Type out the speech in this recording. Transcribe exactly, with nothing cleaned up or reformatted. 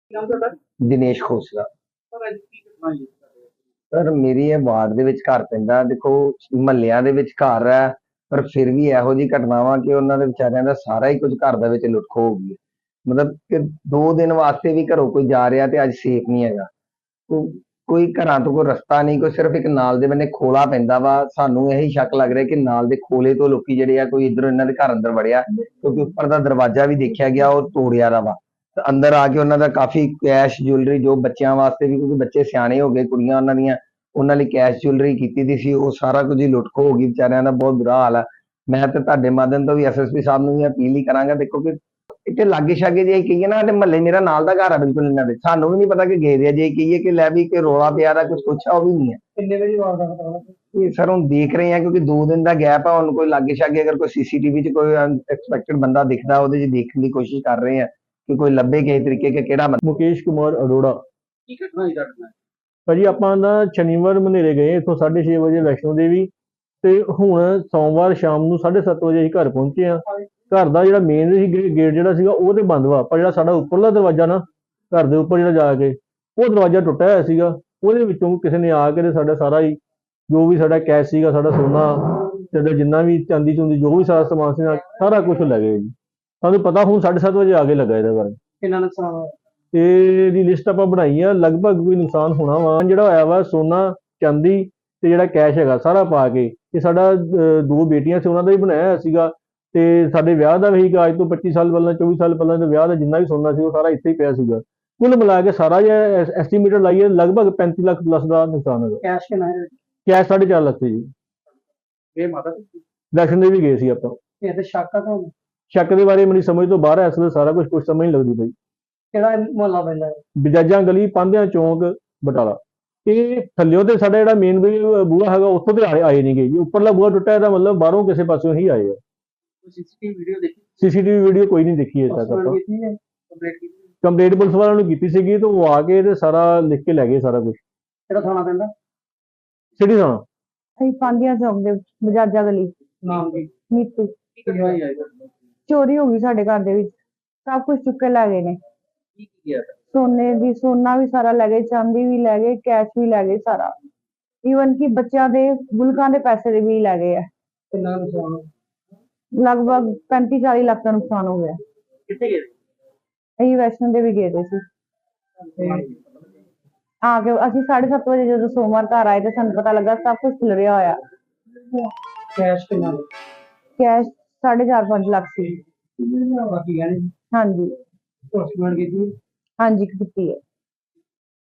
ਨਾਮ ਤੁਹਾਡਾ? ਦਿਨੇਸ਼ ਖੋਸਲਾ। ਸਰ ਅੱਜ ਕੀ ਘਟਨਾ ਹੋਈ ਹੈ? ਸਰ ਮੇਰੀ ਇਹ ਵਾਰਡ ਦੇ ਵਿੱਚ ਘਰ ਪੈਂਦਾ, ਦੇਖੋ ਮਹੱਲਿਆਂ ਦੇ ਵਿੱਚ ਘਰ ਹੈ, ਪਰ ਫਿਰ ਵੀ ਇਹੋ ਜਿਹੀ ਘਟਨਾਵਾਂ ਕਿ ਉਹਨਾਂ ਦੇ ਵਿਚਾਰਿਆਂ ਦਾ ਸਾਰਾ ਹੀ ਕੁਝ ਘਰ ਦੇ ਵਿੱਚ ਲੁੱਟ ਖੋਹ ਹੋ ਗਈ ਹੈ। ਮਤਲਬ ਕਿ ਦੋ ਦਿਨ ਵਾਸਤੇ ਵੀ ਘਰੋਂ ਕੋਈ ਜਾ ਰਿਹਾ ਤੇ ਅੱਜ ਸੇਫ ਨਹੀਂ ਹੈਗਾ। ਕੋ- ਕੋਈ ਘਰਾਂ ਤੋਂ ਕੋਈ ਰਸਤਾ ਨਹੀਂ, ਕੋਈ ਸਿਰਫ ਇੱਕ ਨਾਲ ਦੇ ਬੰਨੇ ਖੋਲਾ ਪੈਂਦਾ ਵਾ। ਸਾਨੂੰ ਇਹੀ ਸ਼ੱਕ ਲੱਗ ਰਿਹਾ ਕਿ ਨਾਲ ਦੇ ਖੋਲੇ ਤੋਂ ਲੋਕੀ ਜਿਹੜੇ ਆ ਕੋਈ ਇੱਧਰੋਂ ਇਹਨਾਂ ਦੇ ਘਰ ਅੰਦਰ ਵੜਿਆ, ਕਿਉਂਕਿ ਉੱਪਰ ਦਾ ਦਰਵਾਜ਼ਾ ਵੀ ਦੇਖਿਆ ਗਿਆ ਉਹ ਤੋੜਿਆ ਦਾ ਵਾ। ਤੇ ਅੰਦਰ ਆ ਕੇ ਉਹਨਾਂ ਦਾ ਕਾਫੀ ਕੈਸ਼ ਜੁਐਲਰੀ, ਜੋ ਬੱਚਿਆਂ ਵਾਸਤੇ ਵੀ, ਕਿਉਂਕਿ ਬੱਚੇ ਸਿਆਣੇ ਹੋ ਗਏ, ਕੁੜੀਆਂ ਉਹਨਾਂ ਦੀਆਂ, ਉਹਨਾਂ ਲਈ ਕੈਸ਼ ਜੁਐਲਰੀ ਕੀਤੀ ਦੀ ਸੀ, ਉਹ ਸਾਰਾ ਕੁਝ ਹੀ ਲੁੱਟ ਖੋਹ ਹੋ ਗਈ। ਵਿਚਾਰਿਆਂ ਦਾ ਬਹੁਤ ਬੁਰਾ ਹਾਲ ਆ। ਮੈਂ ਤੇ ਤੁਹਾਡੇ ਮਾਧਿਅਮ ਤੋਂ ਵੀ ਐਸਐਸਪੀ ਸਾਹਿਬ ਨੂੰ ਵੀ ਅਪੀਲ ਹੀ ਕਰਾਂਗਾ, ਦੇਖੋ ਕਿ ਇੱਥੇ ਲਾਗੇ ਛਾਗੇ ਜੇ ਕਹੀਏ ਨਾ, ਤੇ ਮਹੱਲੇ ਮੇਰਾ ਨਾਲ ਦਾ ਘਰ ਆ ਬਿਲਕੁਲ ਇਹਨਾਂ ਦੇ, ਸਾਨੂੰ ਵੀ ਨਹੀਂ ਪਤਾ ਕਿ ਗਏ ਦੇ ਆ। ਜੇ ਕਹੀਏ ਕਿ ਲੈ ਵੀ ਕਿ ਰੋਲਾ ਪਿਆ ਦਾ ਕੁਝ ਪੁੱਛਾ, ਉਹ ਵੀ ਨਹੀਂ ਹੈ। ਕਿੰਨੇ ਵਜੇ ਵਾਰਦਾਤ ਕਰਾਉਣਾ? ਇਹ ਸਰ ਹੁਣ ਦੇਖ ਰਹੇ ਆ, ਕਿਉਂਕਿ ਦੋ ਦਿਨ ਦਾ ਗੈਪ ਆ। ਹੁਣ ਕੋਈ ਲਾਗੇ ਛਾਗੇ ਅਗਰ ਕੋਈ ਸੀਸੀਟੀਵੀ 'ਚ ਕੋਈ ਅਨਐਕਸਪੈਕਟਡ ਬੰਦਾ ਦਿਖਦਾ, ਉਹਦੇ 'ਚ ਦੇਖਣ ਦੀ ਕੋਸ਼ਿਸ਼ ਕਰ ਰਹੇ ਆ ਕਿ ਕੋਈ ਲੱਭੇ ਕਿਸੇ ਤਰੀਕੇ ਕਿ ਕਿਹੜਾ ਬੰਦਾ। ਮੁਕੇਸ਼ ਕੁਮਾਰ ਅਰੋੜਾ। ਕੀ ਘਟਨਾ ਹੋਈ ਤੁਹਾਡੇ ਨਾਲ? ਭਾਜੀ ਆਪਾਂ ਨਾ ਸ਼ਨੀਵਾਰ ਮਨੇਰੇ ਗਏ ਇੱਥੋਂ ਸਾਢੇ ਛੇ ਵਜੇ ਵੈਸ਼ਨੋ ਦੇਵੀ, ਤੇ ਹੁਣ ਸੋਮਵਾਰ ਸ਼ਾਮ ਨੂੰ ਸਾਢੇ ਸੱਤ ਵਜੇ ਅਸੀਂ ਘਰ ਪਹੁੰਚੇ ਆ। ਘਰ ਦਾ ਜਿਹੜਾ ਮੇਨ ਸੀ ਗੇਟ ਜਿਹੜਾ ਸੀਗਾ ਉਹ ਤੇ ਬੰਦ ਵਾ, ਪਰ ਜਿਹੜਾ ਸਾਡਾ ਉੱਪਰਲਾ ਦਰਵਾਜ਼ਾ ਨਾ, ਘਰ ਦੇ ਉੱਪਰ ਜਿਹੜਾ ਜਾ ਕੇ, ਉਹ ਦਰਵਾਜ਼ਾ ਟੁੱਟਿਆ ਹੋਇਆ ਸੀਗਾ। ਉਹਦੇ ਵਿੱਚੋਂ ਕਿਸੇ ਨੇ ਆ ਕੇ ਤੇ ਸਾਡਾ ਸਾਰਾ ਹੀ ਜੋ ਵੀ ਸਾਡਾ ਕੈਸ਼ ਸੀਗਾ, ਸਾਡਾ ਸੋਨਾ, ਸਾਡਾ ਜਿੰਨਾ ਵੀ ਚਾਂਦੀ ਚੁੰਦੀ ਜੋ ਵੀ ਸਾਰਾ ਸਮਾਨ ਸੀ ਸਾਰਾ ਕੁਝ ਲੈ ਗਏ ਜੀ। ਸਾਨੂੰ ਪਤਾ ਹੁਣ ਸਾਢੇ ਸੱਤ ਵਜੇ ਆ ਕੇ ਲੱਗਾ ਇਹਦੇ ਬਾਰੇ। ਕਿੰਨਾ ਨੁਕਸਾਨ ਹੋਇਆ? ਇਹਦੀ ਲਿਸਟ ਆਪਾਂ ਬਣਾਈ ਆ, ਲਗਭਗ ਕੋਈ ਨੁਕਸਾਨ ਹੋਣਾ ਵਾ ਜਿਹੜਾ ਹੋਇਆ ਵਾ ਸੋਨਾ, ਚਾਂਦੀ ਤੇ ਜਿਹੜਾ ਕੈਸ਼ ਹੈਗਾ ਸਾਰਾ ਪਾ ਕੇ। ਇਹ ਸਾਡਾ ਅਹ, ਦੋ ਬੇਟੀਆਂ ਸੀ, ਉਹਨਾਂ ਦਾ ਹੀ ਬਣਾਇਆ ਹੋਇਆ ਸੀਗਾ, ਤੇ ਸਾਡੇ ਵਿਆਹ ਦਾ ਵੀ ਸੀਗਾ ਅੱਜ ਤੋਂ ਪੱਚੀ ਸਾਲ ਪਹਿਲਾਂ, ਚੌਵੀ ਸਾਲ ਪਹਿਲਾਂ ਦੇ ਵਿਆਹ ਦਾ ਜਿੰਨਾ ਵੀ ਸੋਨਾ ਸੀ ਉਹ ਸਾਰਾ ਇੱਥੇ ਹੀ ਪਿਆ ਸੀਗਾ। ਕੁੱਲ ਮਿਲਾ ਕੇ ਸਾਰਾ ਜੇ ਐਸਟੀਮੇਟਡ ਲਾਈਏ ਲਗਭਗ ਪੈਂਤੀ ਲੱਖ ਪਲੱਸ ਦਾ ਨੁਕਸਾਨ ਹੈਗਾ। ਕੈਸ਼ ਕਿੰਨਾ ਹੈ? ਕੈਸ਼ ਸਾਢੇ ਚਾਰ ਲੱਖ ਸੀ ਜੀ। ਇਹ ਮਾਤਾ ਜੀ, ਵੈਸ਼ਨੋ ਦੇਵੀ ਗਏ ਸੀ ਆਪਾਂ। ਇਹ ਤੇ ਸ਼ੱਕ ਆ ਤੁਹਾਨੂੰ? ਸ਼ੱਕ ਦੇ ਬਾਰੇ ਮੇਰੀ ਸਮਝ ਤੋਂ ਬਾਹਰ ਹੈ, ਇਸ ਵੇਲੇ ਸਾਰਾ ਕੁਝ ਕੁਝ ਸਮਝ ਨਹੀਂ ਲੱਗਦੀ ਪਈ। ਕਿਹੜਾ ਮੁਹੱਲਾ ਪੈਂਦਾ ਹੈ? ਬਜਾਜਾਂ ਗਲੀ, ਪਾਂਧਿਆਂ ਚੌਂਕ, ਬਟਾਲਾ। ਇਹ ਥੱਲਿਓ ਤੇ ਸਾਡਾ ਜਿਹੜਾ ਮੇਨ ਬੂਹਾ ਹੈਗਾ ਉੱਥੋਂ ਤੇ ਆਏ ਆਏ ਨਹੀਂ ਗਏ ਜੀ। ਉੱਪਰਲਾ ਬੂਹਾ ਟੁੱਟਾ, ਇਹਦਾ ਮਤਲਬ ਬਾਹਰੋਂ ਕਿਸੇ ਪਾਸਿਓਂ ਹੀ ਆਏ ਆ। ਸੀਸੀਟੀਵੀ ਵੀਡੀਓ ਦੇਖੀ? ਸੀਸੀਟੀਵੀ ਵੀਡੀਓ ਕੋਈ ਨਹੀਂ ਦੇਖੀ ਅਜੇ ਤੱਕ ਆਪਾਂ। ਕੀਤੀ ਹੈ ਕੰਪਲੀਟ ਕੀਤੀ? ਕੰਪਲੇਂਟ ਪੁਲਿਸ ਵਾਲਿਆਂ ਨੂੰ ਕੀਤੀ ਸੀਗੀ, ਤੇ ਉਹ ਆ ਕੇ ਤੇ ਸਾਰਾ ਲਿਖ ਕੇ ਲੈ ਗਏ ਸਾਰਾ ਕੁਝ। ਕਿਹੜਾ ਥਾਣਾ ਪੈਂਦਾ? ਸਿਟੀ ਥਾਣਾ। ਅਸੀਂ ਪਾਂਧਿਆਂ ਚੌਕ ਦੇ ਬਜਾਜਾ ਗਲੀ। ਨਾਮ ਕੀ? ਨੀਤੂ। ਕੀ ਘਟਨਾ ਹੋਈ ਹੈ? ਚੋਰੀ ਹੋ ਗਈ ਸਾਡੇ ਘਰ ਦੇ ਵਿੱਚ, ਸਭ ਕੁਝ ਚੁੱਕ ਕੇ ਲੈ ਗਏ ਨੇ। ਕੀ ਕੀ ਗਿਆ? ਸੋਨੇ ਦੀ ਸੋਨਾ ਵੀ ਸਾਰਾ ਲੈ ਗਏ, ਚਾਂਦੀ ਵੀ ਲੈ ਗਏ, ਕੈਸ਼ ਵੀ ਲੈ ਗਏ ਸਾਰਾ। ਈਵਨ ਕਿ ਬੱਚਿਆਂ ਦੇ ਗੁਲਕਾਂ ਦੇ ਪੈਸੇ ਦੇ ਵੀ ਲੈ ਗਏ ਆ। ਕਿੰਨਾ ਨੁਕਸਾਨ ਹੋਇਆ? ਲਗਭਗ ਪੈਂਤੀ ਚਾਲੀ ਲੱਖ ਦਾ ਨੁਕਸਾਨ ਹੋ ਗਿਆ। ਕਿੱਥੇ ਗਏ? ਅਸੀਂ ਵੈਸ਼ਨੋ ਦੇਵੀ ਗਏ ਦੇ ਸੀ। ਆ ਕੇ ਅਸੀਂ ਸਾਢੇ ਸੱਤ ਵਜੇ ਜਦੋਂ ਸੋਮਵਾਰ ਘਰ ਆਏ ਤੇ ਸਾਨੂੰ ਪਤਾ ਲੱਗਾ ਸਭ ਕੁਝ ਖਿਲਰਿਆ ਹੋਇਆ। ਕੈਸ਼ ਕਿੰਨਾ? ਕੈਸ਼ ਸਾਢੇ ਚਾਰ ਪੰਜ ਲੱਖ ਸੀ। ਬਾਕੀ ਗਹਿਣੇ? ਹਾਂਜੀ ਪੋਸਟਮਾਰਟਮ ਕੀਤੀ? ਹਾਂਜੀ ਕੀਤੀ ਹੈ।